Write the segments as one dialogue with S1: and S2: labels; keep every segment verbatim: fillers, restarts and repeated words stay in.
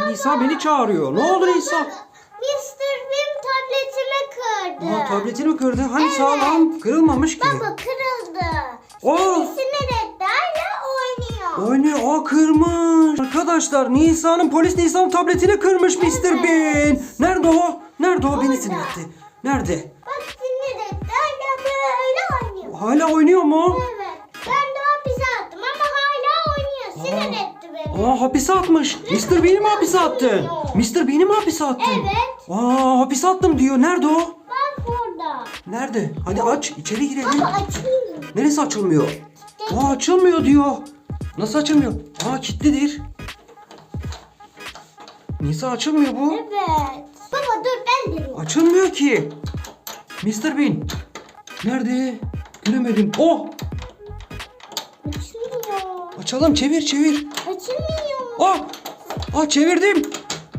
S1: Nisa beni çağırıyor. Ne oldu Nisa?
S2: mister Bean tabletimi kırdı.
S1: Aa, tabletini mi kırdı? Hani
S2: Evet.
S1: sağlam kırılmamış ki.
S2: Baba kırıldı.
S1: Oo.
S2: Beni sinir etti. Hala oynuyor.
S1: Oynuyor. Aa, kırmış. Arkadaşlar Nisa'nın polis Nisa'nın tabletini kırmış mister
S2: Evet.
S1: Bean. Nerede o? Nerede o? Beni
S2: Orada.
S1: sinir etti. Nerede?
S2: Bak sinir etti. Hala böyle oynuyor.
S1: Hala oynuyor mu?
S2: Evet. Ben de hapise attım ama hala oynuyor. Sinir etti beni.
S1: Aa, hapise atmış. mister Bean'i mi hapise attın? mister Bean'i mi hapise attın?
S2: Evet.
S1: Aa, hapise attım diyor. Nerede o?
S2: Bak burada.
S1: Nerede? Hadi aç. İçeri girelim.
S2: Baba açayım.
S1: Neresi açılmıyor? Aa, açılmıyor diyor. Nasıl açılmıyor? Aa, kilitlidir. Nisa açılmıyor bu.
S2: Evet. Baba dur ben de.
S1: Açılmıyor ki. mister Bean. Nerede? Göremedim. Oh!
S2: Açılmıyor.
S1: Açalım. Çevir çevir.
S2: Açılmıyor.
S1: Oh! Aa, çevirdim.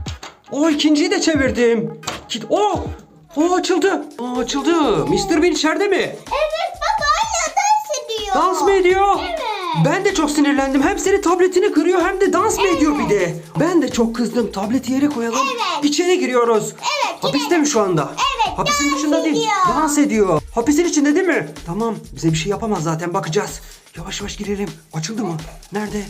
S1: Oh, ikinciyi de çevirdim. Kit. Oh! Oh, açıldı. Aa, açıldı. mister Bean içeride mi?
S2: Evet baba hala dans ediyor.
S1: Dans mı ediyor?
S2: Evet.
S1: Ben de çok sinirlendim. Hem senin tabletini kırıyor hem de dans mı ediyor bir de. Ben de çok kızdım. Tableti yere koyalım.
S2: Evet.
S1: İçeri giriyoruz.
S2: Evet,
S1: Hapiste mi şu anda?
S2: Evet,
S1: Hapisin
S2: dans
S1: dışında değil.
S2: ediyor.
S1: Dans ediyor. Hapisin içinde değil mi? Tamam. Bize bir şey yapamaz zaten. Bakacağız. Yavaş yavaş girelim. Açıldı mı? Nerede?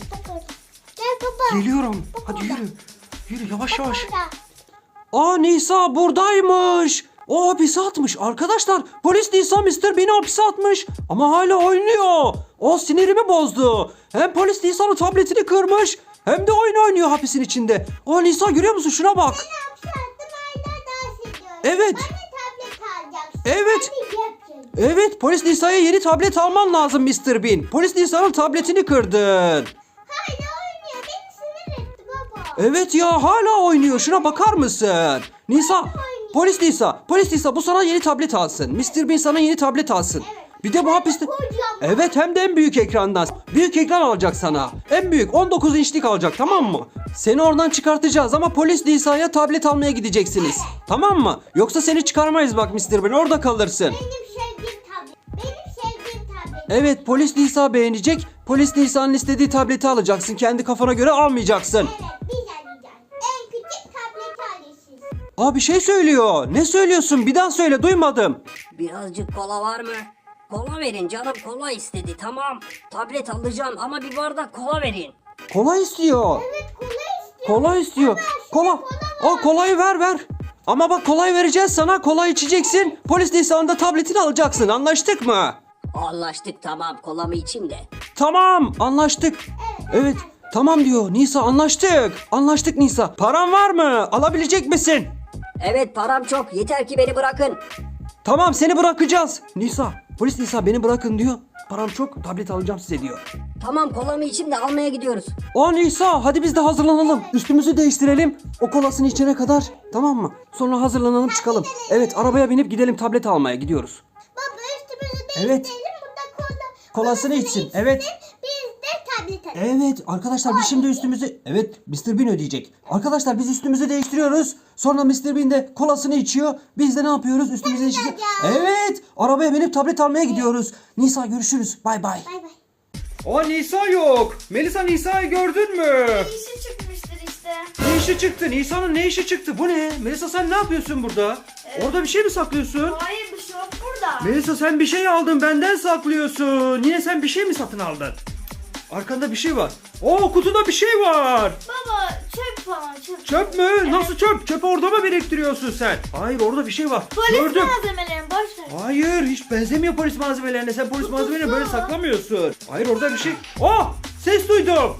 S2: Gel baba.
S1: Geliyorum. Hadi yürü. Yürü yavaş yavaş.
S2: Burada.
S1: Aa, Nisa buradaymış. O hapise atmış. Arkadaşlar polis Nisa mister Bean'i hapise atmış. Ama hala oynuyor. O sinirimi bozdu. Hem polis Nisa'nın tabletini kırmış hem de oyun oynuyor hapisin içinde. O Nisa görüyor musun? Şuna bak.
S2: Ben hapse attım hala dans ediyorum.
S1: Evet.
S2: Bana tablet alacaksın.
S1: Evet.
S2: Ben de yapacağım.
S1: Evet, polis Nisa'ya yeni tablet alman lazım mister Bean. Polis Nisa'nın tabletini kırdın.
S2: Hala oynuyor. Beni sinir etti baba.
S1: Evet ya, hala oynuyor. Şuna bakar mısın? Nisa, polis Nisa, polis Nisa bu sana yeni tablet alsın. mister Bean sana yeni tablet alsın. Bir de bu hapiste...
S2: Kocaman.
S1: Evet, hem de en büyük ekrandan. Büyük ekran alacak sana. En büyük on dokuz inçlik alacak, tamam mı? Seni oradan çıkartacağız ama polis Nisa'ya tablet almaya gideceksiniz. Tamam mı? Yoksa seni çıkarmayız bak mister Bean, orada kalırsın.
S2: Benim sevdiğim tablet. Benim sevdiğim tablet.
S1: Evet, polis Nisa beğenecek. Polis Nisa'nın istediği tableti alacaksın. Kendi kafana göre almayacaksın.
S2: Evet biz alacağız. En küçük tablet alırsınız.
S1: Aa, bir şey söylüyor. Ne söylüyorsun? Bir daha söyle, duymadım.
S3: Birazcık kola var mı? Kola verin, canım kola istedi, tamam. Tablet alacağım ama bir bardak kola verin.
S1: Kola istiyor.
S2: Evet kola istiyor.
S1: Kola istiyor. Kola. O kolayı ver ver. Ama bak, kolayı vereceğiz sana. Kola içeceksin. Polis Nisa'nın da tabletini alacaksın. Anlaştık mı?
S3: Anlaştık, tamam, kolamı içeyim de.
S1: Tamam, anlaştık. Evet. Tamam diyor. Nisa, anlaştık. Anlaştık Nisa. Paran var mı? Alabilecek misin?
S3: Evet, param çok, yeter ki beni bırakın.
S1: Tamam, seni bırakacağız. Nisa. Polis Nisa beni bırakın diyor. Param çok, tablet alacağım size diyor.
S3: Tamam, kolamı içeyim de almaya gidiyoruz.
S1: O Nisa, hadi biz de hazırlanalım. Üstümüzü değiştirelim. O kolasını içene kadar, tamam mı? Sonra hazırlanalım, çıkalım. Evet, arabaya binip gidelim, tablet almaya gidiyoruz.
S2: Baba üstümüzü
S1: Evet.
S2: değiştirelim. Burada kola.
S1: Kolasını içsin, evet.
S2: Biz de tablet alalım.
S1: Evet arkadaşlar, biz şimdi üstümüzü... Evet, mister Bean ödeyecek. Arkadaşlar biz üstümüzü değiştiriyoruz. Sonra mister Bean de kolasını içiyor. Biz de ne yapıyoruz? Üstümüzü değiştiriyoruz. Evet, arabaya binip tablet almaya gidiyoruz. Nisa, görüşürüz. Bay bay.
S2: Bay bay.
S1: O Nisa yok. Melisa, Nisa'yı gördün mü?
S4: İşi çıkmıştır işte.
S1: Ne işi çıktı? Nisa'nın ne işi çıktı? Bu ne? Melisa, sen ne yapıyorsun burada? Orada bir şey mi saklıyorsun?
S4: Hayır, bir şey yok burada.
S1: Melisa, sen bir şey aldın, benden saklıyorsun. Yine sen bir şey mi satın aldın? Arkanda bir şey var. Oo, kutuda bir şey var.
S4: Baba çöp falan çöp.
S1: Çöp mü? Nasıl çöp? Çöpü orada mı biriktiriyorsun sen? Hayır, orada bir şey var.
S4: Polis
S1: Gördüm.
S4: malzemelerini boş ver.
S1: Hayır, hiç benzemiyor polis malzemelerine. Sen polis malzemelerini böyle saklamıyorsun. Hayır, orada bir şey. Oh! Ses duydum.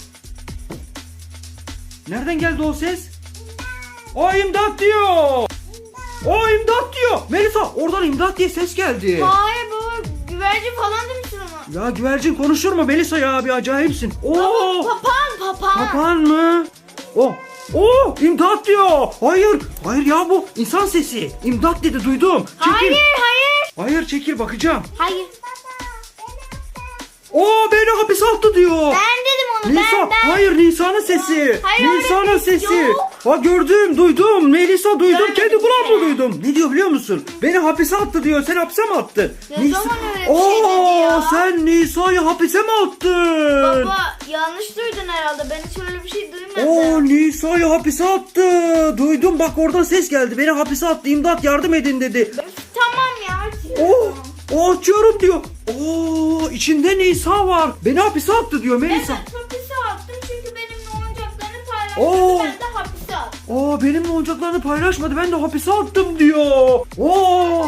S1: Nereden geldi o ses? O imdat diyor. O imdat diyor. Melisa, oradan imdat diye ses geldi.
S4: Hayır baba, güvercin falan demişsin ama.
S1: Ya güvercin konuşur mu Melisa ya? Bir acayipsin. Oo!
S4: Papağan papağan.
S1: Papağan mı? Oh! Oh! İmdat diyor. Hayır. Hayır ya, bu insan sesi. İmdat dedi, duydum. Çekil.
S4: Hayır hayır.
S1: Hayır, çekil, bakacağım.
S4: Hayır.
S1: Oo beni hapise attı diyor.
S4: Ben dedim onu
S1: Nisa,
S4: ben ben.
S1: hayır Nisa'nın sesi.
S4: Hayır,
S1: Nisa'nın
S4: öyle
S1: sesi.
S4: yok.
S1: Ha gördüm, duydum. Melisa duydum.
S4: Görmedim
S1: Kendi kulağımla
S4: seni.
S1: duydum. Ne diyor biliyor musun? Beni hapise attı diyor. Sen hapise mi attın?
S4: Ne zaman öyle bir şey dedi
S1: Oo,
S4: ya?
S1: sen Nisa'yı hapise mi attın?
S4: Baba yanlış duydun herhalde. Ben hiç öyle bir şey duymadım.
S1: Oo Nisa'yı hapise attı. Duydum bak oradan ses geldi. Beni hapise attı. İmdat yardım edin dedi.
S4: Üf, tamam ya.
S1: Oo, o açıyorum diyor. Oo içinde Nisa var. Beni hapise attı diyor Melisa.
S4: Evet hapise attım çünkü benimle oyuncaklarını
S1: Oo.
S4: paylaştı. Ben de hapise attım.
S1: Aa benimle oyuncaklarını paylaşmadı. Ben de hapise attım diyor. Oo.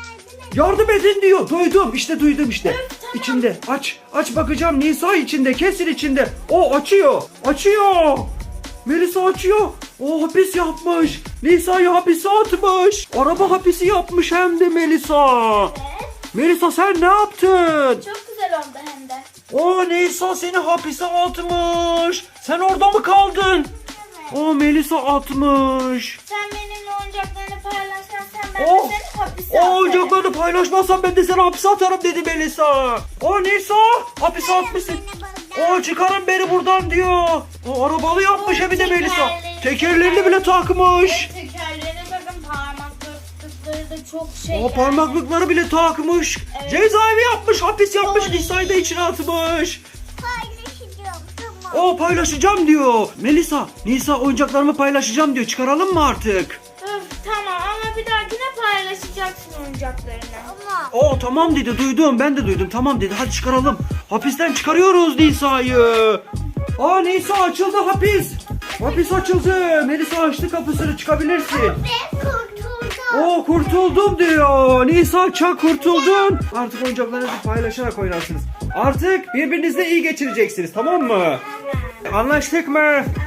S1: Yardım edin diyor. Duydum. İşte duydum işte.
S4: Evet, tamam.
S1: İçinde. Aç. Aç bakacağım. Nisa içinde. Kesin içinde. O açıyor. Açıyor. Melisa açıyor. O hapis yapmış. Nisa'yı hapise atmış. Araba hapisi yapmış hem de Melisa.
S4: Evet.
S1: Melisa sen ne yaptın?
S4: Çok güzel oldu hem de.
S1: O Nisa seni hapise atmış. Sen orada mı kaldın?
S4: Evet.
S1: O Melisa atmış.
S4: Sen benimle oyuncaklarını paylaşmazsan ben
S1: Oh.
S4: de seni hapise
S1: O
S4: atarım.
S1: oyuncaklarını paylaşmazsan ben de seni hapse atarım dedi Melisa. O Nisa hapise atmışsın. O çıkarın beni buradan diyor. O arabalı yapmış hem de Melisa.
S4: Tekerleri-
S1: Tekerlerini bile takmış.
S4: Tekerlerine bakın parmaklıkları da çok şey.
S1: O parmaklıkları bile takmış.
S4: Evet.
S1: Cezaevi yapmış, hapis yapmış,
S4: Doğru.
S1: Nisa'yı da içine atmış.
S2: Paylaşacağım tamam.
S1: O paylaşacağım diyor. Melisa, Nisa oyuncaklarımı paylaşacağım diyor. Çıkaralım mı artık?
S4: Öf, tamam ama bir dahakine paylaşacaksın oyuncaklarını.
S2: Ama
S1: O tamam dedi, duydum, ben de duydum. Tamam dedi, hadi çıkaralım. Hapisten çıkarıyoruz Nisa'yı. Aa Nisa açıldı hapis. Hapis açıldı. Melisa açtı kapısını, çıkabilirsin.
S2: ben kurtuldum.
S1: O kurtuldum diyor. Nisa çak kurtuldun. Artık oyuncaklarınızı paylaşarak oynarsınız. Artık birbirinizle iyi geçireceksiniz, tamam mı? Anlaştık mı?